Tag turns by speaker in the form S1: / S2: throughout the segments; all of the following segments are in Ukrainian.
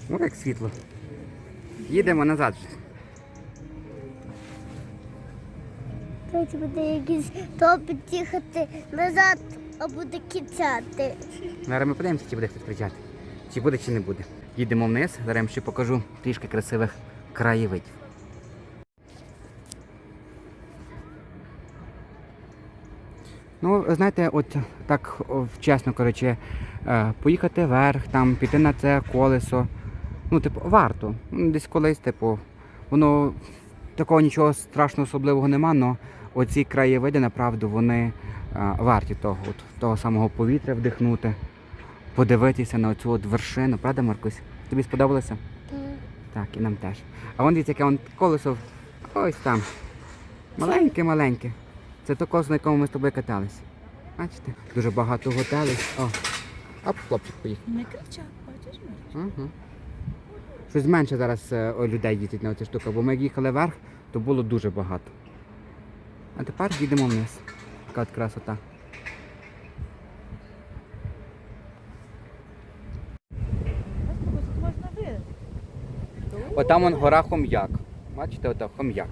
S1: О, як світло. Їдемо назад.
S2: Тут буде якийсь топить їхати назад, а буде кицяти.
S1: Зараз ми подивимося, чи буде хтось кричати. Чи буде, чи не буде. Їдемо вниз, зараз я вам ще покажу трішки красивих краєвидів. Ну, знаєте, от так чесно, коротше, поїхати вверх, там, піти на це колесо, ну, типу, варто. Десь колись, типу, воно, такого нічого страшного особливого нема, але оці краєвиди, направду, вони варті того, от, того самого повітря вдихнути, подивитися на оцю от вершину. Правда, Маркусь? Тобі сподобалося? Так, і нам теж. А вон дивіться, яке вон колесо, ось там, маленьке-маленьке. Це то колесо, на якому ми з тобою катались. Бачите? Дуже багато готелів. О, оп, хлопчик поїхав.
S3: Не кричать, бачиш, Мариш?
S1: Угу. Щось менше зараз людей їздить на оцю штуку, бо ми як їхали вверх, то було дуже багато. А тепер їдемо вниз. Така от красота.
S3: Можна вилити.
S1: Отам вон гора Хом'як. Бачите, ото Хом'як.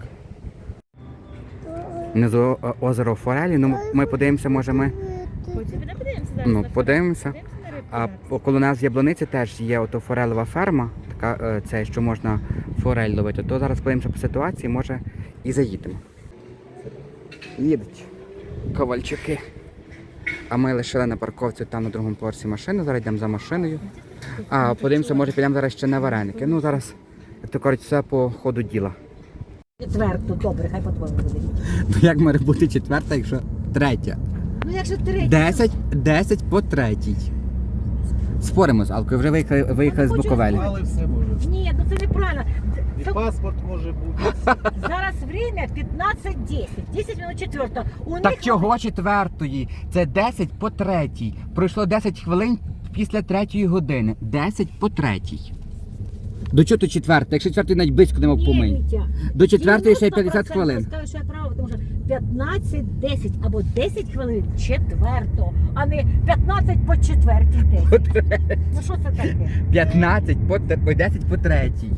S1: Внизу озеро Форелі, ну ми подивимося, може ми...
S3: Потім не подивимося зараз.
S1: Ну,
S3: на
S1: подивимося.
S3: фото. Подивимося на рибку
S1: А
S3: зараз.
S1: коло нас в Яблуниці теж є ото форелева ферма, така, це, що можна форель ловити. То зараз подивимося по ситуації, може і заїдемо. Їдуть ковальчуки. А ми лишили на парковці там на другому поверсі машину, зараз йдемо за машиною. А подивимося, може підемо зараз ще на вареники. Ну зараз, як то кажуть, все по ходу діла.
S4: Четверту, добре, хай по-твоєму буде.
S1: Ну як має бути четверта, якщо третя?
S4: Ну якщо третя.
S1: 10 по третій. Споримо з Алкою, вже виїхали з Буковелі.
S5: Але все може.
S4: Ні, ну це неправильно.
S5: І
S4: Це-
S5: паспорт може бути.
S4: Зараз время 15:10. 10 минут четверта. У
S1: Так
S4: них
S1: чого четвертої? Це 10 по третій. Пройшло 10 хвилин після третьої години. 10 по третій. До чого тут четверта? Якщо четвертої навіть близько не мов
S4: Ні,
S1: помий.
S4: Вітя,
S1: До четвертої ще й 50
S4: 90%
S1: хвилин.
S4: скажу, що я права, тому що 15:10 або 10 хвилин четверто, а не 15 по четвертій 10. Ну що це таке?
S1: 15 по 10 по третій.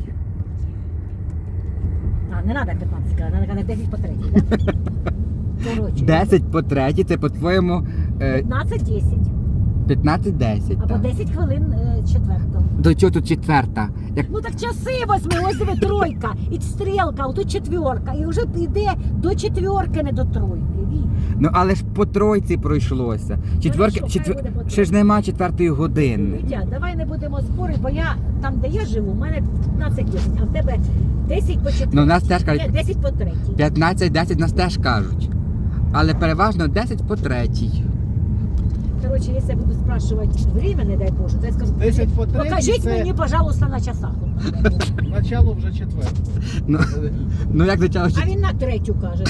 S4: А, не треба 15 сказати, треба 10 по третій, так? Коротше,
S1: 10 по третій, це по-твоєму
S4: 15:10
S1: 15-10.
S4: або
S1: так.
S4: 10 хвилин четвертого.
S1: До чого тут четверта? Як...
S4: Ну так часи возьми, ось диви тройка, і стрілка, отут четверка, і вже йде до четверки, не до тройки. Ві.
S1: Ну але ж по тройці пройшлося. Четверки,
S4: Ну, що, хай буде по тройці.
S1: ще ж нема четвертої години.
S4: Вітя, давай не будемо спорити, бо я там, де я живу, у мене 15:10, а в тебе 10 по 4.
S1: Ну, у нас теж кажуть-
S4: 10 по 3.
S1: 15-10 нас теж кажуть. Але переважно 10 по третій.
S4: Коротше, якщо я буду спрашувати время, не дай Боже, то я скажу,
S5: 10 по 3
S4: покажіть
S5: це
S4: мені, пожалуйста, на часах.
S5: начало вже четверте.
S1: Ну як почало
S4: А він на третю каже.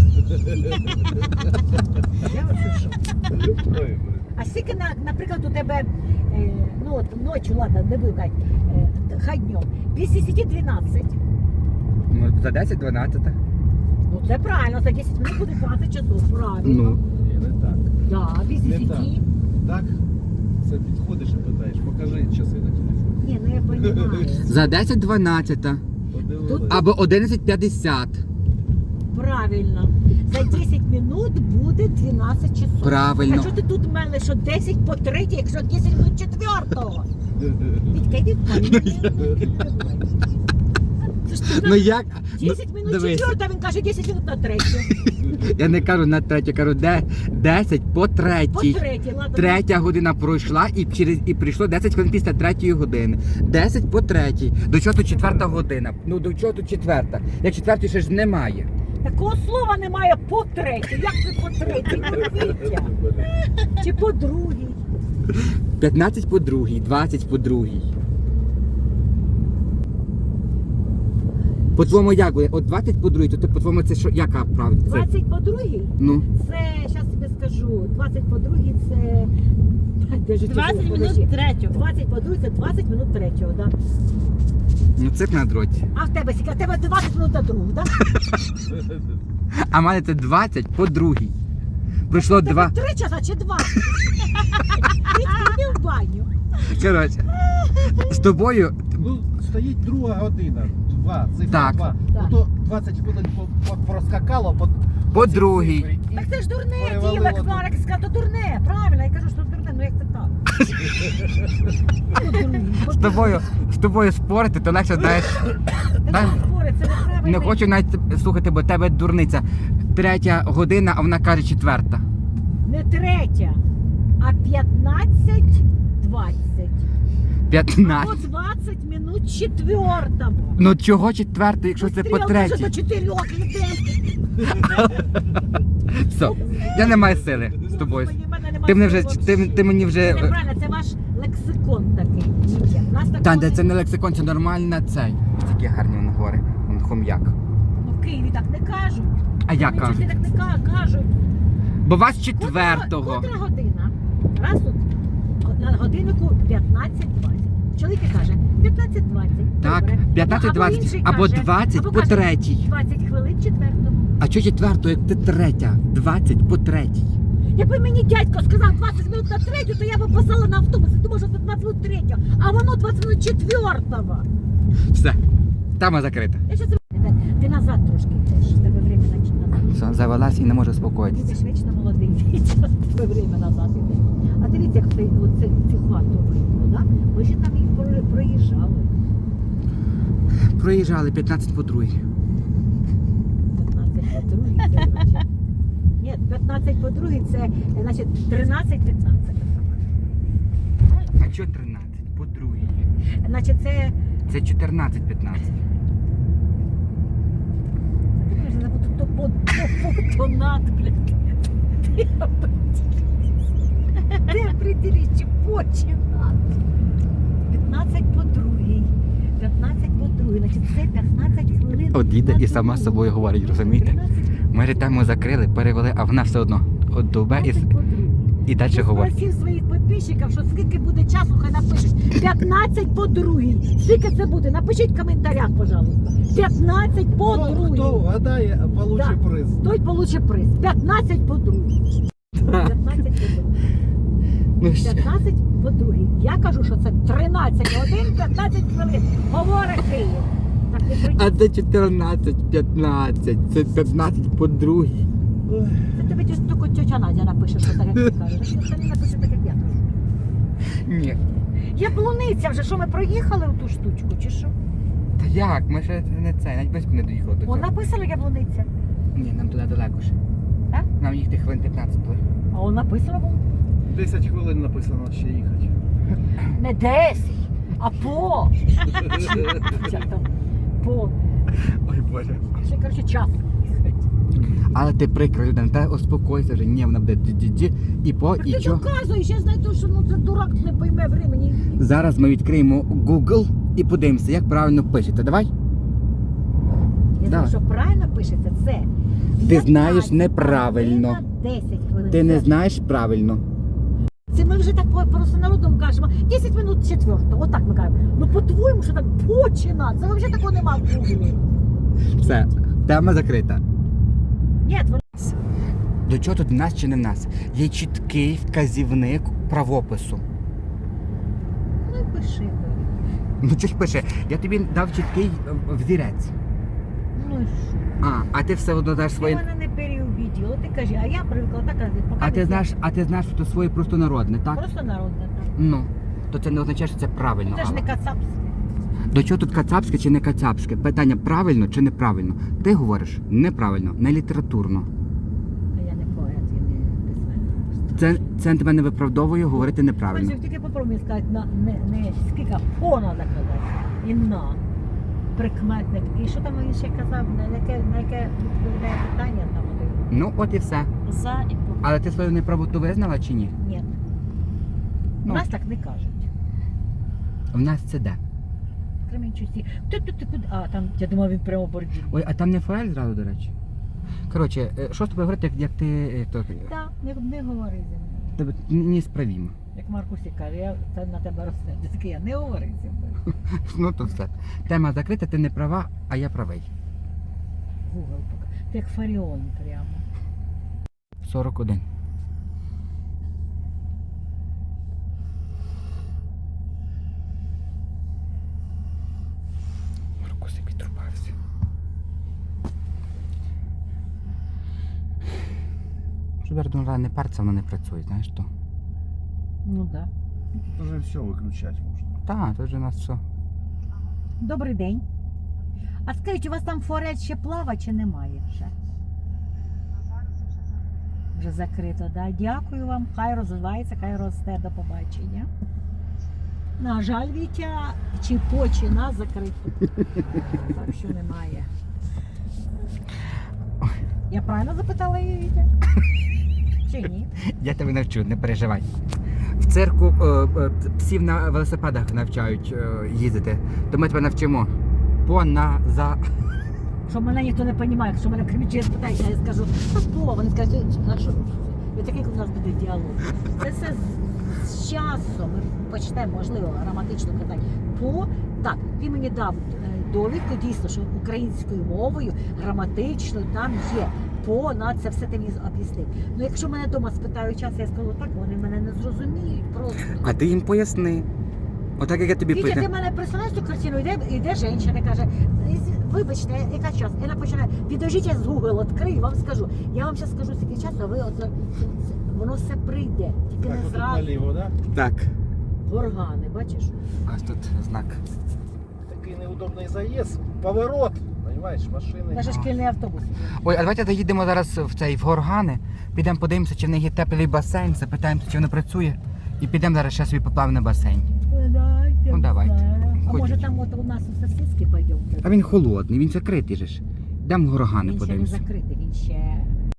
S4: Я оце що? А скільки, наприклад, у тебе, ну от ночі, ладно, не буду казати, хай днем, без 10-12.
S1: Ну, за 10-12.
S4: Ну це правильно, за 10 минут буде 20 часов, правильно.
S1: Ну.
S5: Ні, не так.
S4: Да, без
S5: Не
S4: 10.
S5: так. Так, це підходиш і питаєш, покажи часи на телефоні.
S4: Ні, ну я розумію.
S1: За 10-12.
S5: Подивилися.
S1: Або 11-50.
S4: Правильно. За 10 минут буде 12 часов.
S1: Правильно.
S4: А що ти тут мели, що 10 по 3, якщо 10 минут четвертого? Вітька, йди в камінь. Це ж ти
S1: Ну як?
S4: 10 минут
S1: дивись.
S4: четвертого, він каже 10 минут на третю.
S1: Я не кажу на третю, кажу 10 по
S4: По
S1: третій.
S4: третій, ладно.
S1: Третя година пройшла і прийшло 10 хвилин після третьої години. 10 по третій. До чого тут четверта година? Ну до чого тут четверта? Як четвертої ще ж немає.
S4: Такого слова немає по третій. Як це по третій? Вітя? Чи по другій?
S1: 15 по другій, 20 по другій. По-твоєму як буде? От 20 по другій, то ти по-твоєму це що, яка правда? Це,
S4: 20 по другій?
S1: ну,
S4: Це, зараз тобі скажу, 20 по другій це... Держи,
S3: 20
S4: подожди.
S3: минут третього.
S4: 20 по другій це 20 минут третього, да?
S1: ну цирк на дроті.
S4: А в тебе скільки? В тебе 20 минут до другого, да?
S1: А в мене це 20 по другій. Пройшло
S4: В тебе
S1: 2.
S4: 3 часа чи 2? Ти йди в баню.
S1: Коротше, з тобою
S5: Ну, стоїть друга година, цифра
S1: Так.
S5: 2.
S4: Так.
S5: Ото 20 хвилин проскакало
S1: По
S5: цій
S1: другій.
S5: цифрі. І
S4: Так це ж дурне
S5: перевалило
S4: діло,
S5: тут.
S4: Марк сказав, то дурне, правильно, я кажу, що дурне, ну як це так?
S1: З тобою спорити, то легше знаєш. Та-
S4: Це неправильно.
S1: Не хочу навіть слухати, бо тебе дурниця. 3 година, а вона каже 4.
S4: Не 3, а 15:20.
S1: 15.
S4: Або 20 минут 4.
S1: Ну чого 4, якщо це по 3?
S4: До 4 людей.
S1: Все, я не маю сили з тобою.
S4: Господи, в мене немає
S1: Ти мені вже,
S4: сил
S1: ти мені вже.
S4: Це неправильно, це ваш лексикон такий. У нас такого
S1: Та, де це не лексикон, це нормальна цей. Такі гарні вони говори. Он хом'як.
S4: Ну, в Києві так не кажуть.
S1: А я
S4: Вони
S1: кажу.
S4: чогось так не кажуть.
S1: Бо вас 4-го.
S4: Котра година? Раз тут на годиннику 15:20. Чоловік каже 15:20.
S1: Так,
S4: Добре.
S1: 15:20
S4: інший
S1: або
S4: каже,
S1: 20
S4: або
S1: по
S4: каже,
S1: 3.
S4: 20 хвилин 4.
S1: А чого 4, як ти 3? 20 по 3.
S4: Якби мені дядько сказав 20 минут на 3, то я б посала на автобус і думав, що це 20 минут 3, а воно 20 минут 4.
S1: Все. Тема закрита.
S4: Я щас... Ти назад трошки йдеш, в тебе время назад.
S1: Все, завелась і не може
S4: Ти
S1: успокоїтися.
S4: ж вічно молодий, в тебе время назад іде. А дивіться, як цю хату видно, да? Ми ще там їх проїжджали.
S1: Проїжджали 15 по 2.
S4: 15 по 2, це значить... Ні, 15 по 2, це, значить, 13-15.
S1: А чого 13? По 2.
S4: Значить, це...
S1: Це 14-15.
S4: Ти кажеш, то понад, блядь. Ти определись, чи починати. 15 по 2. 15 по 2, значить, це 15 хвилин.
S1: От їде
S4: на
S1: і сама
S4: другу.
S1: з собою говорить, розумієте?
S4: 13
S1: Ми же тему закрили, перевели, а вона все одно от довбе і,
S4: 15 по 2.
S1: і далі говорить.
S4: Спросив своїх підписчиків, що скільки буде часу, хай напишуть. 15 по 2. Скільки це буде? Напишіть в коментарях, пожалуйста. 15 по 2.
S5: Хто вгадає, получить
S4: Да.
S5: приз.
S4: Той получить приз. 15 по 2. 15 по 2.
S1: Ну, що?
S4: 15 по 2. Я кажу, що це 13 годин, 15 хвилин. Говорить Київ. Так не
S1: А
S4: прийде.
S1: це 14-15, це 15 по 2.
S4: Це тобі тільки тетя Надя напише, що так, як ти кажеш. Ніхто не напише так, як я кажу.
S1: Ні.
S4: Я блуниця вже, що ми проїхали у ту штучку, чи що?
S1: Та як? Ми ще не це, навіть близько не доїхали до
S4: О,
S1: цього.
S4: написано яблуниця.
S1: Ні, нам туди далеко ще.
S4: Так?
S1: Нам їхати хвилин 15 було.
S4: А он написано було.
S5: 10 хвилин написано ще їхати.
S4: Не 10, а по. Як там? По.
S1: Ой Боже.
S4: Ще, коротше, час.
S1: Але ти прикра людина, та успокойся вже, ні, вона буде ді-ді-ді, і по,
S4: Так
S1: і
S4: ти
S1: чо.
S4: доказуєш, я знаю, що ну, це дурак не пойме времени.
S1: Зараз ми відкриємо Google і подивимося, як правильно пишете. Давай?
S4: Я знаю,
S1: Давай.
S4: що правильно пишеться, це.
S1: Ти знаєш
S4: 15
S1: неправильно.
S4: година, 10 хвилин.
S1: Ти не
S4: Це-
S1: знаєш правильно.
S4: Це ми вже так просто народом кажемо. 10 минут 4. Отак ми кажемо. Ну по-твоєму, що так почина. Це взагалі такого нема в Гуглі.
S1: Все, тема закрита.
S4: Ні, воно
S1: До чого тут в нас чи не в нас? Є чіткий вказівник правопису.
S4: ну і пиши.
S1: Ну чи ж пише, я тобі дав чіткий взірець.
S4: Ну і що?
S1: А ти все одно даш
S4: Ти
S1: своє.
S4: мене не переубедила. Ти кажи, а я привикла так, поки
S1: А
S4: не
S1: ти
S4: знаю.
S1: знаєш, що це своє просто народне, так?
S4: Просто народне так.
S1: Ну, то це не означає, що це правильно.
S4: Це ж не
S1: Алла.
S4: кацапське.
S1: До чого тут кацапське чи не кацапське? Питання правильно чи неправильно? Ти говориш неправильно, не літературно.
S4: А я не поет, я не письменник.
S1: Це тебе не виправдовує говорити неправильно.
S4: Бачиш, тільки попробуй сказати, не скільки о треба казати. І на. Прикметник. І що там він ще казав, на яке відповідає питання там один?
S1: Ну, от і все.
S4: За і по.
S1: Але ти свою неправоту визнала чи ні?
S4: Ні. У
S1: Ну.
S4: нас так не кажуть.
S1: В нас це де?
S4: В Кременчуці. Ти куди? А, там, я думав, він прямо бордів.
S1: Ой, а там не фаель зразу, до речі. Коротше, що з тобою говорити, як ти
S4: Так, не говори зі мною.
S1: тебе не справімо.
S4: Як Маркусі каже, я це на тебе розсердю. Таке я не говори зі мною.
S1: Ну то все. Тема закрита, ти не права, а я правий.
S4: Гугл поки. Ти як Фаріон прямо.
S1: 41. наприклад, ну, не париться, воно не працює, знаєш то.
S4: Ну так.
S5: Уже все виключати можна.
S1: Так, тут же у нас все.
S4: Добрий день. А скажіть, у вас там форель ще плава чи немає вже? Вже закрито, да? Дякую вам. Хай розвивається, хай росте. До побачення. На жаль, Вітя, чи почина закрито. Так що немає. Я правильно запитала її, Вітя? Чи ні?
S1: Я тебе навчу, не переживай. В цирку псів на велосипедах навчають їздити. То ми тебе навчимо.
S4: Що мене ніхто не розуміє, якщо мене кричить, спитають, а я скажу, що слово, вони скажуть, а що? І такий у нас буде діалог. Це все з часом ми почнемо, можливо, граматично казати. Так, він мені дав довідку, дійсно, що українською мовою граматично там є. Це все ти мені об'яснив. Ну якщо мене вдома спитають час, я скажу так, вони мене не зрозуміють просто.
S1: А ти їм поясни. Отак, як я тобі
S4: Вітя, ти
S1: питаю.
S4: мене представляєш цю картину, йде жінка, каже, вибачте, яка час? І вона починає, підожіть, я з Google відкрию, вам скажу. Я вам зараз скажу, скільки часу, а ви воно все прийде. Тільки
S5: Так,
S4: не
S5: отут
S4: зразу.
S5: наліво, да?
S1: Так.
S4: Горгани, бачиш?
S1: Ось тут знак.
S5: Такий неудобний заїзд. Поворот. Понимаєш, машини.
S4: Навіть шкільний автобус.
S1: Ой, а давайте доїдемо зараз в Горгани, підемо подивимося, чи в них є теплий басейн, запитаємося, чи воно працює, і підемо зараз ще собі поплавимо на басейн. Ну, давайте.
S4: А
S1: Ходіть.
S4: може там от у нас у сосиски пойдемо?
S1: А він холодний, він закритий же ж. Йдемо в Горгани
S4: Він ще не
S1: подивимося.
S4: закритий, він ще